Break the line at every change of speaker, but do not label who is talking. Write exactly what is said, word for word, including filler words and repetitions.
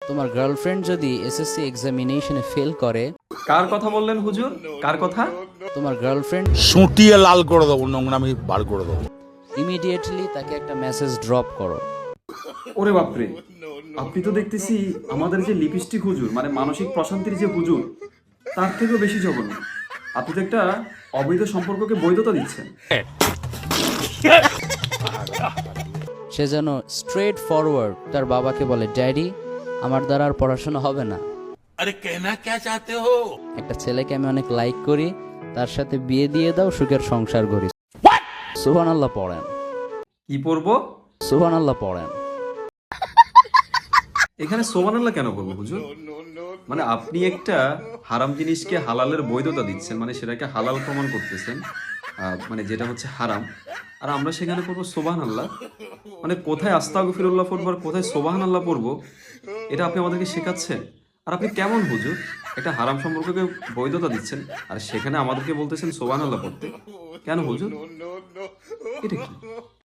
তোমার গার্লফ্রেন্ড যদি SSC এক্সামিনেশনে fail করে,
কার কথা বললেন হুজুর? কার কথা?
তোমার গার্লফ্রেন্ড
সুটিয়ে লাল করে দেবো, নোংরামি বার করে দেবো।
ইমিডিয়েটলি তাকে একটা মেসেজ ড্রপ করো।
ওরে বাপরে, আপনি তো দেখতেছি আমাদের যে লিপস্টিক হুজুর, মানে মানসিক প্রশান্তির যে হুজুর, তার থেকেও বেশি জঘন্য। আপনি তো একটা অবৈধ সম্পর্ককে বৈধতা দিচ্ছেন।
সে যেন স্ট্রেট ফরওয়ার্ড তার বাবাকে বলে, ড্যাডি আমার দ্বারা আর পড়াশোনা হবে না।
আরে কেনা কে চাতে হো?
একটা ছেলেকে আমি অনেক লাইক করি, তার সাথে বিয়ে দিয়ে দাও, সুখের সংসার করি। সুবহানাল্লাহ পড়েন,
কি পড়বো?
সুবহানাল্লাহ পড়েন।
এখানে সোবানাল্লাহ কেন করবো হুজুর? মানে আপনি একটা হারাম জিনিসকে হালালের বৈধতা দিচ্ছেন, মানে সেটাকে হালাল প্রমাণ করতেছেন, আহ, মানে যেটা হচ্ছে হারাম, আর আমরা সেখানে পড়বো সোবাহান আল্লাহ। মানে কোথায় আস্তাগফিরুল্লাহ পড়বো আর কোথায় সোবাহান আল্লাহ পড়বো, এটা আপনি আমাদেরকে শেখাচ্ছেন? আর আপনি কেমন হুজুর? একটা হারাম সম্পর্ককে বৈধতা দিচ্ছেন আর সেখানে আমাদেরকে বলতেছেন সোবাহান আল্লাহ পড়তে? কেন হুজুর? এটা কি?